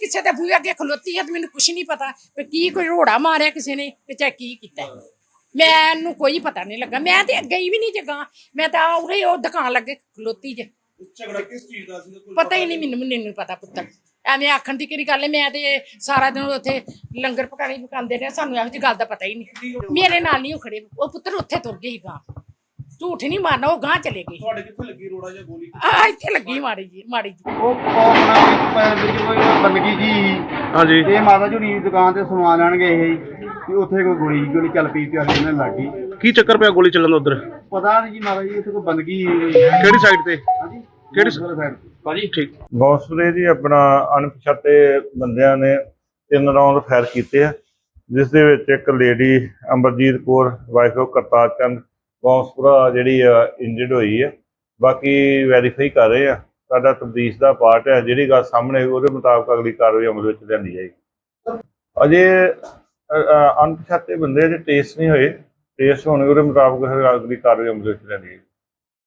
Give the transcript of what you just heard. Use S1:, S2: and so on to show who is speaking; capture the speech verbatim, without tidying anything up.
S1: ਕਿਸੇ ਦੇ ਬੂਹੇ ਅੱਗੇ ਖਲੋਤੀ ਹੈ ਤੇ ਮੈਨੂੰ ਕੁਛ ਨਹੀਂ ਪਤਾ ਕਿ ਕੀ ਕੋਈ ਰੋੜਾ ਮਾਰਿਆ ਕਿਸੇ ਨੇ ਤੇ ਚਾਹੇ ਕੀ ਕੀਤਾ ਮੈਨੂੰ ਕੋਈ ਪਤਾ ਨਹੀਂ ਲੱਗਾ। ਮੈਂ ਤੇ ਗਈ ਵੀ ਨਹੀਂ ਜਗਾ, ਮੈਂ ਤਾਂ ਉਰੇ ਉਹ ਦੁਕਾਨ ਲੱਗੇ ਖਲੋਤੀ ਜੇ।
S2: ਝਗੜਾ ਕਿਸ ਚੀਜ਼ ਦਾ ਸੀ?
S1: ਪਤਾ ਹੀ ਨਹੀਂ ਮੈਨੂੰ, ਮੈਨੂੰ ਪਤਾ ਪੁੱਤਰ ਐਵੇਂ ਆਖਣ ਦੀ ਕਿਹੜੀ ਗੱਲ ਹੈ। ਮੈਂ ਤੇ ਸਾਰਾ ਦਿਨ ਉੱਥੇ ਲੰਗਰ ਪਕਾਣੀ ਪਕਾਉਂਦੇ ਰਹੇ, ਸਾਨੂੰ ਇਹੋ ਜਿਹੀ ਗੱਲ ਦਾ ਪਤਾ ਹੀ ਨਹੀਂ। ਮੇਰੇ ਨਾਲ ਨਹੀਂ ਉਹ ਖੜੇ, ਉਹ ਪੁੱਤਰ ਉੱਥੇ ਤੁਰ ਗਏ ਗਾਂ, ਝੂਠ ਨਹੀਂ ਮਾਰਨਾ, ਉਹ ਗਾਂ ਚਲੇ ਗਏ।
S2: ਤੁਹਾਡੇ ਕਿੱਥੇ ਲੱਗੀ ਰੋੜਾ ਜਾਂ ਗੋਲੀ?
S1: ਆ ਇੱਥੇ ਲੱਗੀ ਮਾੜੀ ਜੀ, ਮਾੜੀ ਜੀ।
S3: ਉਹ ਆਪਣਾ ਵਿੱਚ ਕੋਈ ਬੰਦਗੀ ਜੀ
S4: ਹਾਂਜੀ
S3: ਇਹ ਮਾਤਾ ਜੀ ਦੀ ਦੁਕਾਨ ਤੇ ਸਮਾਨ ਲੈਣ ਗਏ ਸੀ ਤੇ ਉੱਥੇ ਕੋਈ ਗੋਲੀ ਗੋਲੀ ਚੱਲ ਪਈ ਤੇ ਉਹਨਾਂ ਲੱਗ ਗਈ।
S4: ਕੀ ਚੱਕਰ ਪਿਆ ਗੋਲੀ ਚੱਲਣ ਦਾ ਉਧਰ?
S3: ਪਤਾ ਨਹੀਂ ਜੀ ਮਾਤਾ ਜੀ ਉੱਥੇ ਕੋਈ ਬੰਦਗੀ।
S4: ਕਿਹੜੀ ਸਾਈਡ ਤੇ?
S3: ਹਾਂਜੀ
S4: ਕਿਹੜੀ
S3: ਸਾਈਡ?
S4: ਭਾਜੀ ਠੀਕ।
S5: ਬੌਂਸਪੁਰੇ ਜੀ ਆਪਣਾ ਅਣਪਛਾਤੇ ਬੰਦਿਆਂ ਨੇ ਤਿੰਨ ਰਾਉਂਡ ਫਾਇਰ ਕੀਤੇ ਆ, ਜਿਸ ਦੇ ਵਿੱਚ ਇੱਕ lady Amarjeet Kaur wife of Kartar Chand Bounspura ਜਿਹੜੀ ਆ ਇੰਜਰਡ ਹੋਈ ਹੈ। ਬਾਕੀ ਵੈਰੀਫਾਈ ਕਰ ਰਹੇ ਆ, ਸਾਡਾ ਤਬਦੀਸ਼ ਦਾ ਪਾਰਟ ਹੈ। ਜਿਹੜੀ ਗੱਲ ਸਾਹਮਣੇ ਉਹਦੇ ਮੁਤਾਬਕ ਅਗਲੀ ਕਾਰਵਾਈ ਅਮਲ ਵਿੱਚ ਲਿਆਂਦੀ ਜਾਏਗੀ। ਅਜੇ ਅਣਪਛਾਤੇ ਬੰਦੇ ਦੇ ਟੇਸਟ ਨਹੀਂ ਹੋਏ, ਟੇਸਟ ਹੋਣੇ ਉਹਦੇ ਮੁਤਾਬਕ ਅਗਲੀ ਕਾਰਵਾਈ ਅਮਲ ਵਿੱਚ ਲਿਆਂਦੀ ਜਾਏਗੀ।